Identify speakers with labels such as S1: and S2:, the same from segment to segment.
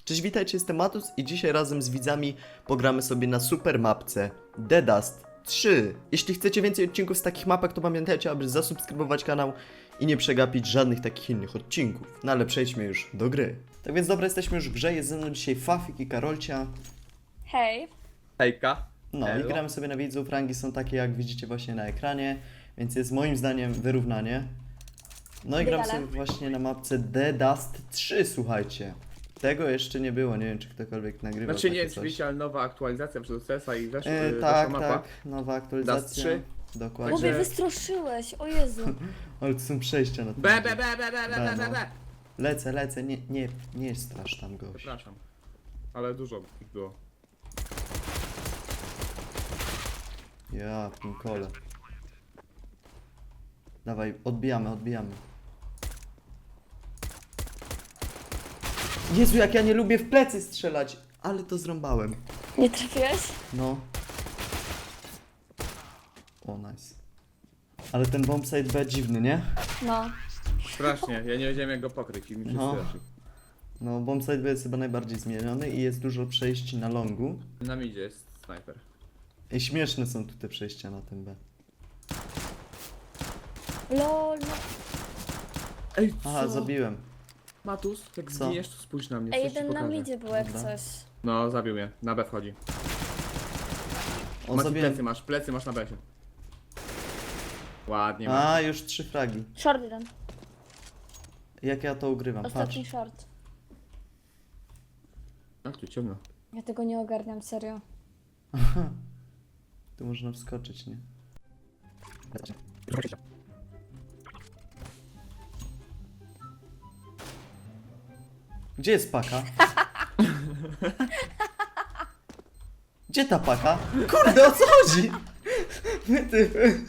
S1: Cześć, witajcie, jestem Matus i dzisiaj razem z widzami pogramy sobie na super mapce The Dust 3. Jeśli chcecie więcej odcinków z takich mapek, to pamiętajcie, aby zasubskrybować kanał i nie przegapić żadnych takich innych odcinków. No ale przejdźmy już do gry. Tak więc dobra, jesteśmy już w grze, jest ze mną dzisiaj Fafik i Karolcia.
S2: Hej.
S3: Hejka.
S1: No
S3: Elo.
S1: i gramy sobie na widzów, rangi są takie jak widzicie właśnie na ekranie, więc jest moim zdaniem wyrównanie. No i gram
S2: Wydala.
S1: sobie właśnie na mapce The Dust 3, słuchajcie. Tego jeszcze nie było, nie wiem czy ktokolwiek nagrywał
S3: Znaczy nie
S1: takie
S3: jest
S1: coś.
S3: oczywiście, ale nowa aktualizacja przez CS-a i weszła
S1: Tak,
S3: mapa.
S1: tak, nowa aktualizacja.
S3: Dust 3.
S1: Dokładnie.
S2: Mówię,
S3: Także-
S2: wystroszyłeś, o Jezu.
S1: Ale to są przejścia na tym.
S3: Be, be, be, be, be, be, be, be, be.
S1: Lecę, nie strasz tam gość.
S3: Przepraszam. Ale dużo ich było.
S1: Ja, pinkole. Dawaj, odbijamy. Jezu, jak ja nie lubię w plecy strzelać, ale to zrąbałem.
S2: Nie trafiłeś?
S1: No. O, nice. Ale ten bombsite B dziwny, nie?
S2: No.
S3: Strasznie, ja nie wiedziałem jak go pokryć i mi wszyscy
S1: No.
S3: weszli.
S1: No, bombsite B jest chyba najbardziej zmieniony i jest dużo przejść na longu.
S3: Na midzie jest snajper.
S1: I śmieszne są tu te przejścia na tym B.
S2: Lol, no.
S3: Ej, co?
S1: Aha, zabiłem.
S3: Matus, jak
S1: Co?
S3: zginiesz to spójrz na mnie,
S2: Ej,
S3: coś ci
S2: jeden na
S3: pokażę.
S2: midzie był jak
S1: Dobra.
S2: coś.
S3: No, zabił mnie, na B wchodzi.
S1: O,
S3: Mati,
S1: zabiłem.
S3: plecy masz na B. Ładnie, Mati.
S1: A, już 3 fragi.
S2: Short jeden.
S1: Jak ja to ugrywam, patrz.
S2: Ostatni short.
S3: Jak tu ciemno.
S2: Ja tego nie ogarniam, serio.
S1: Tu można wskoczyć, nie? Gdzie jest paka? Gdzie ta paka? Kurde, o co chodzi? Ty.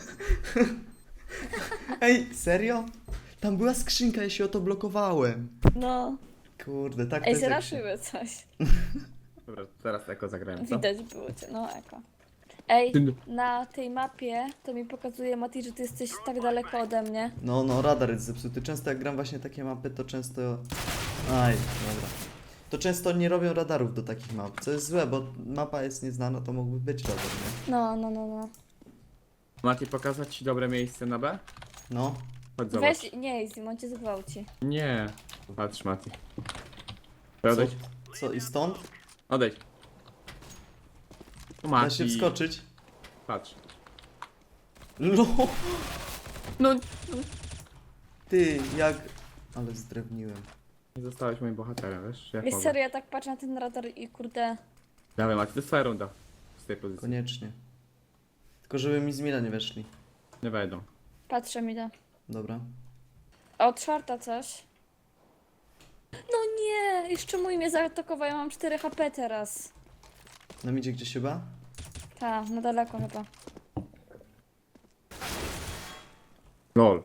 S1: Ej, serio? Tam była skrzynka, ja się o to blokowałem.
S2: No.
S1: Kurde, tak to
S2: Ej,
S1: jest jak się...
S2: zraszyły coś.
S3: Dobra, teraz eko zagrałem, co?
S2: Widać było cię, no eko. Ej,
S3: Ty-
S2: na tej mapie to mi pokazuje Mati, że ty jesteś tak daleko ode mnie.
S1: No, radar jest zepsuty. Często jak gram właśnie takie mapy, to często... Aj, dobra. To często nie robią radarów do takich map, co jest złe, bo mapa jest nieznana, to mógłby być radar, nie?
S2: No.
S3: Mati, pokazać ci dobre miejsce na B?
S1: No.
S3: Chodź zobacz.
S2: Weź, nie, Izzy, on cię zgwałci.
S3: Nie. Patrz, Mati.
S1: Co,
S3: Odejdź.
S1: co i stąd?
S3: Odejdź. O,
S1: Da
S3: Mati.
S1: się wskoczyć.
S3: Patrz.
S1: No,
S3: No,
S1: ty, jak... Ale zdrewniłem.
S3: nie zostałeś moim bohaterem, wiesz? Jak
S2: Wiesz,
S3: mogę.
S2: serio, ja tak patrzę na ten radar i kurde...
S3: Dawaj, Mati, to jest twoja runda. Z tej pozycji.
S1: Koniecznie. Tylko żeby mi z mila nie weszli.
S3: Nie wejdą.
S2: Patrzę mi da.
S1: Dobra.
S2: Od czwarta coś. No nie, jeszcze mój mnie zaatakował, ja mam 4 HP teraz.
S1: No idzie gdzieś chyba?
S2: Ta, na daleko chyba.
S3: LOL.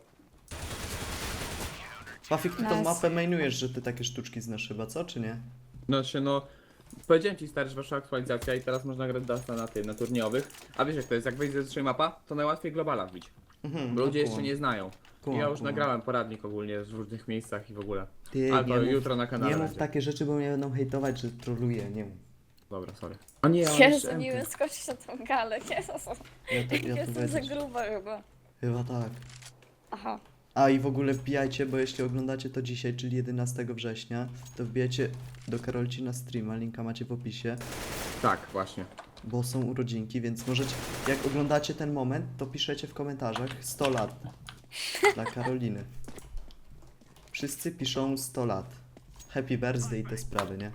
S1: Pafik, ty tą
S2: Nice.
S1: mapę mainujesz, że ty takie sztuczki znasz chyba, co? Czy nie?
S3: No. Powiedziałem ci, stary, że weszła aktualizacja i teraz można grać Dusta na tym, na turniejowych. A wiesz jak to jest, jak wejdzie ze 3 mapa, to najłatwiej globala wbić.
S1: Mhm,
S3: Bo ludzie
S1: no,
S3: jeszcze
S1: kumam.
S3: nie znają.
S1: Kumam,
S3: Ja już
S1: kumam.
S3: nagrałem poradnik ogólnie w różnych miejscach i w ogóle.
S1: Ty,
S3: Ale to
S1: nie mów-
S3: jutro na kanale
S1: Nie mów
S3: będzie.
S1: takie rzeczy, bo mnie będą hejtować, że troluję, nie mów.
S3: Dobra, sorry. A nie, ja mam
S2: Jezu,
S3: jeszcze
S2: nie
S3: MK.
S2: wiem skoczyć na tą galę, Jezus.
S1: Ja tu
S2: Jestem za
S1: wejdę.
S2: gruba chyba.
S1: Chyba tak.
S2: Aha.
S1: A i w ogóle wbijajcie, bo jeśli oglądacie to dzisiaj, czyli 11 września, to wbijajcie do Karolci na streama, linka macie w opisie,
S3: Tak, właśnie.
S1: bo są urodzinki, więc możecie, jak oglądacie ten moment, to piszecie w komentarzach 100 lat dla Karoliny. Wszyscy piszą 100 lat. Happy birthday i te sprawy, nie?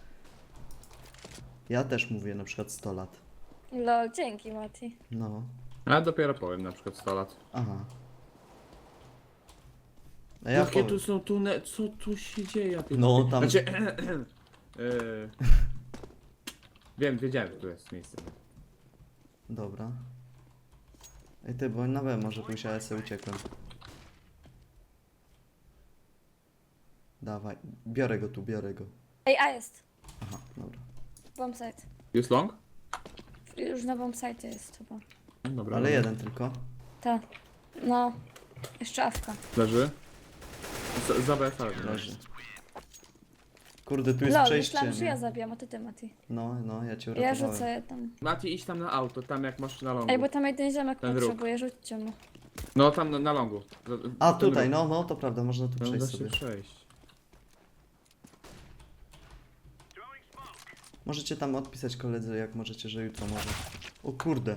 S1: Ja też mówię na przykład 100 lat.
S2: Lol, dzięki Mati.
S1: No,
S3: A dopiero powiem na przykład 100 lat.
S1: aha. A ja
S3: Jakie
S1: powiem.
S3: tu są tunele, co tu się dzieje? Ja tu-
S1: No, tam-
S3: Znaczy, wiedziałem, że tu jest miejsce.
S1: Dobra. Ej ty, bo na B może pójść, a ja sobie uciekłem. Dawaj, biorę go.
S2: Ej, a jest.
S1: Aha, dobra.
S2: Bombsite.
S3: Jest long?
S2: Już na bombsite jest chyba.
S3: Dobra.
S1: Ale jeden tylko.
S2: Ta. No. Jeszcze awka.
S3: Leży. Za BFR
S1: Leży. Kurde, tu jest
S2: Lol,
S1: przejście,
S2: myślałam, że ja
S1: nie?
S2: zabijam, a to ty, Mati.
S1: No, ja cię
S2: Ja
S1: uratowałem.
S2: rzucę tam.
S3: Mati, idź tam na auto, tam jak masz na longu.
S2: Ej, bo tam jeden ziomek
S3: Ten róg.
S2: potrzebuje, rzućcie mu.
S3: No tam na longu.
S1: A,
S3: Ten
S1: tutaj,
S3: róg.
S1: no, to prawda, można tu
S3: No
S1: przejść
S3: da się
S1: sobie.
S3: przejść.
S1: Możecie tam odpisać koledze, jak możecie, że jutro może. O kurde.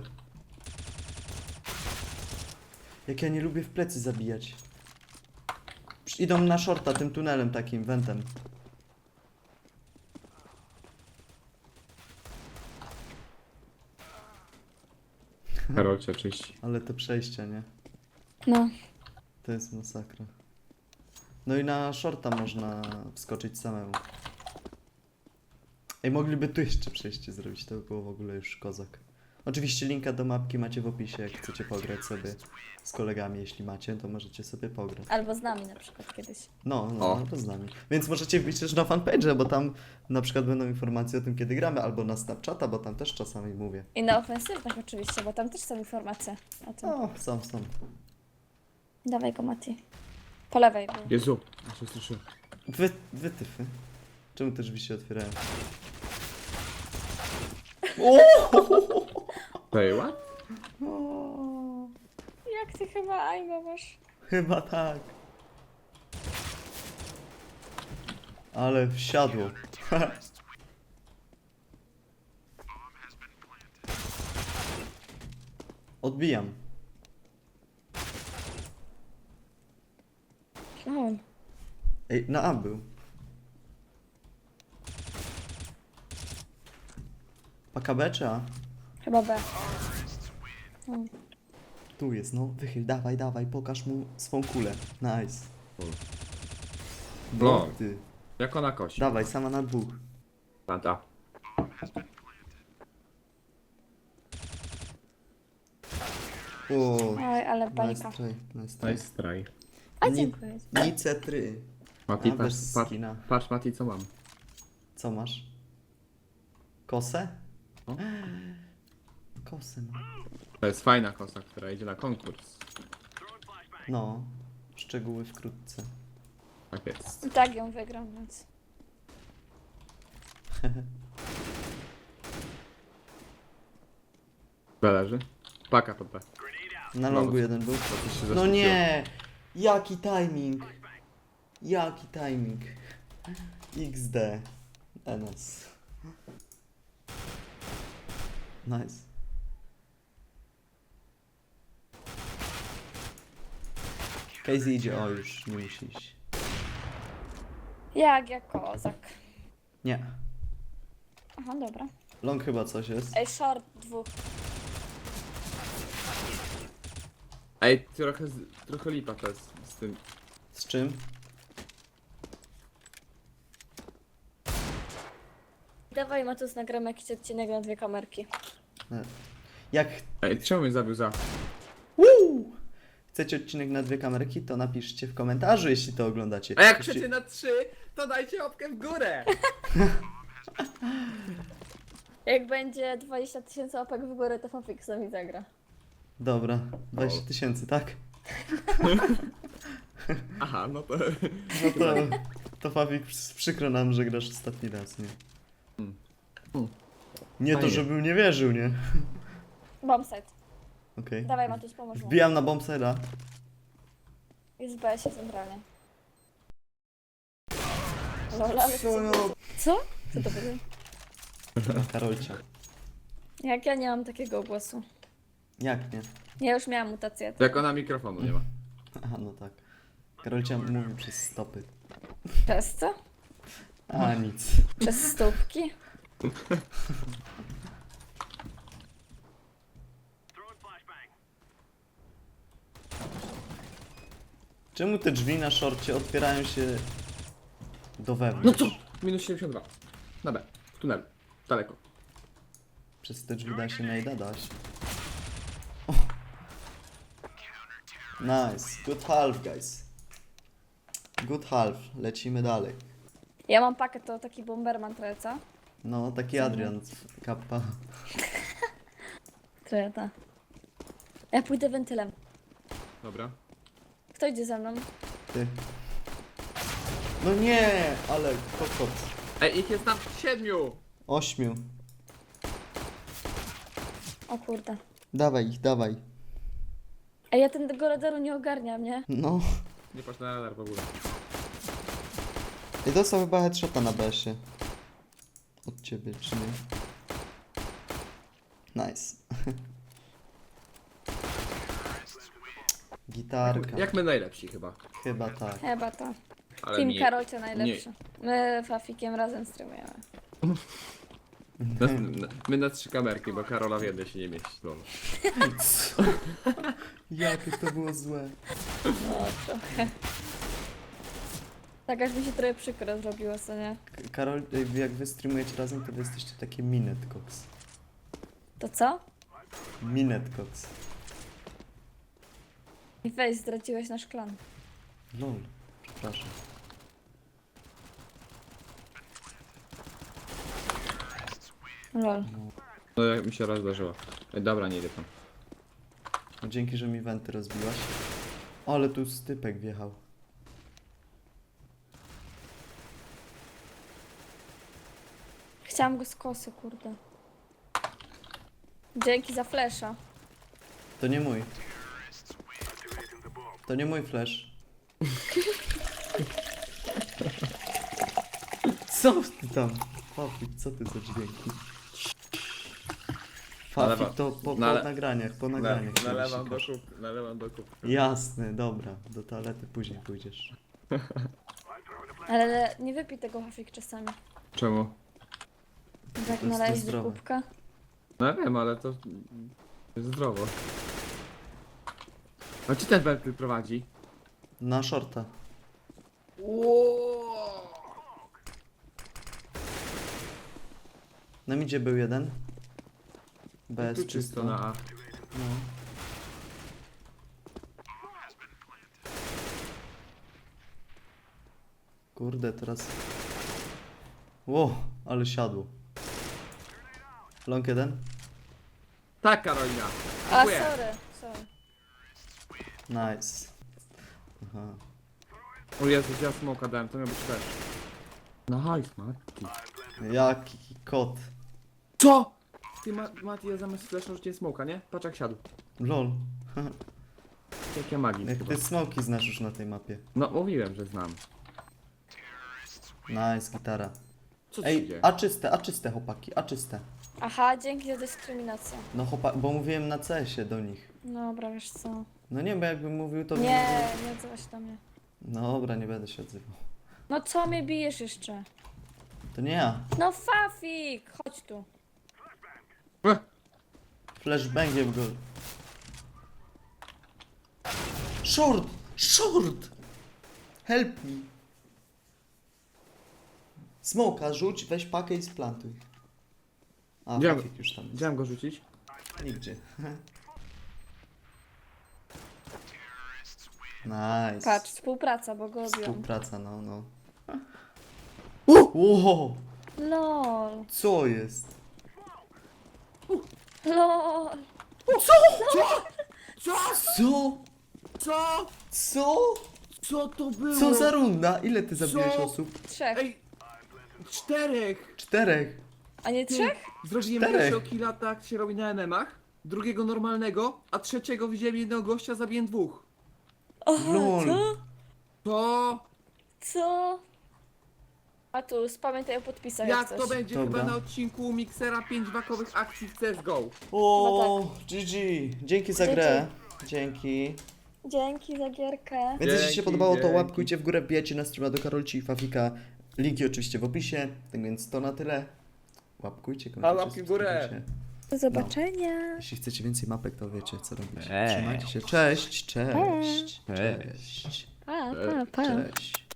S1: Jak ja nie lubię w plecy zabijać. Idą na shorta tym tunelem takim, wentem.
S3: Karol cię czyści.
S1: Ale te przejścia, nie?
S2: No.
S1: To jest masakra. No i na shorta można wskoczyć samemu. Ej, mogliby tu jeszcze przejście zrobić, to by było w ogóle już kozak. Oczywiście linka do mapki macie w opisie, jak chcecie pograć sobie z kolegami, jeśli macie, to możecie sobie pograć.
S2: Albo z nami na przykład kiedyś.
S1: No,
S3: O.
S1: no to z nami. Więc możecie wbić też na fanpage, bo tam na przykład będą informacje o tym, kiedy gramy, albo na Snapchata, bo tam też czasami mówię.
S2: I na ofensywnych oczywiście, bo tam też są informacje o tym.
S1: O, są.
S2: Dawaj go, Mati. Po lewej był.
S3: Jezu, ja się słyszę.
S1: Wytyfy. Czemu te drzwi się otwierają?
S3: Say what?
S1: O,
S2: Jak ty chyba Aimo masz?
S1: chyba tak. Ale wsiadło. Odbijam.
S2: O,
S1: Ej, na A był. Paka B czy A?
S2: chyba B.
S1: Tu jest, no. Wychyl, dawaj, pokaż mu swą kulę. Nice.
S3: No.
S1: Ty.
S3: Jak ona kosi.
S1: Dawaj, sama na dwóch.
S3: Tata.
S1: O,
S2: Oj, ale bajka.
S1: nice try, nice try.
S3: Nice try.
S2: A
S1: Ni-
S2: dziękuję.
S1: Nicetry.
S3: Mati,
S1: A,
S3: patrz,
S1: bez
S3: patrz,
S1: skina.
S3: patrz Mati, co mam.
S1: Co masz? Kosę?
S3: O.
S1: Kosę mam.
S3: To jest fajna kosa, która idzie na konkurs.
S1: No. Szczegóły wkrótce.
S3: Tak jest.
S2: I tak ją wygram, więc.
S3: Zależy. Paka pod B.
S1: Na longu jeden był.
S3: To coś się
S1: No
S3: zaświeciło.
S1: nie! Jaki timing! Jaki timing! XD. NS. Nice. Casey idzie, o już, nie musi iść.
S2: Jak kozak.
S1: Nie.
S2: Aha, dobra.
S1: Long chyba coś jest.
S2: Ej, short dwóch.
S3: Ej, trochę lipa to jest z tym.
S1: Z czym?
S2: Dawaj, Matus, nagramy jakiś odcinek na 2 kamerki.
S1: Jak
S3: Ej, czemu mnie zabił za?
S1: chcecie odcinek na 2 kamerki, to napiszcie w komentarzu, jeśli to oglądacie.
S3: A jak
S1: Jeśli-
S3: chcecie na 3, to dajcie łapkę w górę!
S2: Jak będzie 20 000 łapek w górę, to Fafik z nami zagra.
S1: Dobra, 20 000, tak?
S3: Aha, no to...
S1: No to Fawik, przykro nam, że grasz ostatni raz, nie? Nie to,
S3: Fajnie.
S1: żebym nie wierzył, nie?
S2: Bombsite.
S1: Okej.
S2: Dawaj, Matus, pomóż mu.
S1: Wbijam na bombsera.
S2: Jest w BS-ie centralnie. Lol, ale
S1: Co?
S2: Co? Co to było?
S1: Karolcia.
S2: Jak ja nie mam takiego głosu.
S1: Jak nie?
S2: Ja już miałam mutację.
S3: Jak ona mikrofonu nie ma.
S1: Aha, no tak. Karolcia mówi przez stopy.
S2: Przez co?
S1: A, nic.
S2: Przez stópki?
S1: Czemu te drzwi na szorcie otwierają się do
S3: No
S1: wewnątrz?
S3: co? Minus 72. Na B. W tunelu. Daleko.
S1: Przez te drzwi da się najda dać. O. Nice. Good half, guys. Good half. Lecimy dalej.
S2: Ja mam pakiet, to taki bomberman trochę, co?
S1: No, taki Adrian z kappa.
S2: Trochę ta. Ja pójdę wentylem.
S3: Dobra.
S2: Kto idzie ze mną?
S1: Ty. No nie, ale kokot.
S3: Ej, ich jest tam 7!
S1: 8.
S2: O kurde.
S1: Dawaj ich, dawaj.
S2: Ej, ja tego radaru nie ogarniam, nie?
S1: No.
S3: Nie patrz na radar w ogóle.
S1: I dostał chyba headshota na BS-ie. Od ciebie, czy nie? Nice. Gitarka.
S3: Jak my najlepsi chyba.
S1: Chyba tak.
S2: Chyba to.
S3: Ale
S2: Team
S3: nie.
S2: Karolcia najlepszy. My Fafikiem razem streamujemy.
S3: My na 3 kamerki, bo Karola w jednej się nie mieści. Lol.
S1: Co? Jakie to było złe.
S2: No, trochę. Tak aż mi się trochę przykro zrobiło, co nie?
S1: Karol, jak wy streamujecie razem, to wy jesteście takie Minetcox.
S2: To co?
S1: Minetcox.
S2: I weź, zdradziłeś nasz klan.
S1: Lol. Przepraszam.
S2: Lol.
S3: No jak mi się raz zdarzyło. Ej, dobra, nie idę tam.
S1: No, dzięki, że mi wenty rozbiłaś. O, ale tu stypek wjechał.
S2: Chciałam go z kosy, kurde. Dzięki za flesza.
S1: To nie mój. To nie mój flash. Co ty tam? Fafik, co ty za dźwięki? Fafik
S3: Nalewa-
S1: to po
S3: nale-
S1: nagraniach, po nagraniach. się
S3: Nalewam do
S1: wysikasz.
S3: kup, nalewam do kup.
S1: Jasne, dobra. Do toalety później pójdziesz.
S2: Ale nie wypij tego Fafik czasami.
S3: Czemu?
S2: Jak
S1: to
S2: nalejesz do
S1: zdrowe.
S2: kubka.
S3: No wiem, ale to jest zdrowo. A czy ten wentyl prowadzi?
S1: Na shorta. Na midzie był jeden. Bez
S3: Tu czysto na A.
S1: No. Kurde, teraz... Ło, ale siadło. Long jeden?
S3: Tak, Karolina.
S2: A,
S3: Dziękuję.
S2: sorry.
S1: Nice. Aha.
S3: O Jezus, ja smoka dałem, to miał być też. Nice, Mati.
S1: Jaki kot.
S3: Co? Ty, Mati, ja zamiast flasha rzuciłem smoka, nie? Patrz jak siadł.
S1: Lol.
S3: Jak ja magii
S1: Jak
S3: chyba.
S1: ty smoki znasz już na tej mapie.
S3: No, mówiłem, że znam.
S1: Nice, gitara.
S3: Co ci
S1: Ej,
S3: dzieje?
S1: a czyste chłopaki, a czyste.
S2: Aha, dzięki za dyskryminację.
S1: No bo mówiłem na CS-ie do nich.
S2: Dobra, wiesz co.
S1: No nie, bo jakbym mówił to...
S2: Nie odzywaj się do mnie.
S1: Dobra, nie będę się odzywał.
S2: No co mnie bijesz jeszcze?
S1: To nie ja.
S2: No Fafik, chodź tu.
S1: Flashbangiem go. Short! Short! Help me! Smoka rzuć, weź pakę i splantuj. A,
S3: Gdzie-
S1: Fafik już tam jest.
S3: Chciałem go rzucić.
S1: Nigdzie. Nice.
S2: Patrz, współpraca, bo go obiłam.
S1: Współpraca, no.
S2: LOL.
S1: Co jest?
S2: LOL.
S3: Co?
S1: Co?
S3: Co?
S1: Co?
S3: Co to było?
S1: Co za runda? Ile ty zabiłeś
S3: Co?
S1: osób?
S2: 3.
S3: Ej! 4!
S1: 4.
S2: A nie 3?
S3: Zrobiłem
S1: 4.
S3: pierwszego killa, tak się robi na NM-ach, drugiego normalnego, a trzeciego widziałem jednego gościa, zabiłem 2.
S2: Aha,
S1: Lol.
S2: co?
S3: To
S2: Co? A tu, pamiętaj o podpisach jak
S3: jak
S2: coś.
S3: to będzie
S1: Dobra.
S3: chyba na odcinku Mixera 5 wakowych akcji w CSGO.
S1: O, GG. Dzięki za grę. Dzięki.
S2: Dzięki za gierkę.
S1: Więc jeśli się
S3: Dzięki,
S1: podobało, to
S3: dzięki.
S1: łapkujcie w górę, wbijajcie na streama do Karolci i Fafika. Linki oczywiście w opisie. Tak więc to na tyle. Łapkujcie, komentujcie,
S3: łapki w górę.
S1: subskrybujcie.
S2: Do zobaczenia.
S1: Jeśli chcecie więcej mapek, to wiecie co robić.
S3: Cześć.
S1: Trzymajcie się. Cześć, cześć, cześć.
S2: Pa, pa, pa.
S1: Cześć.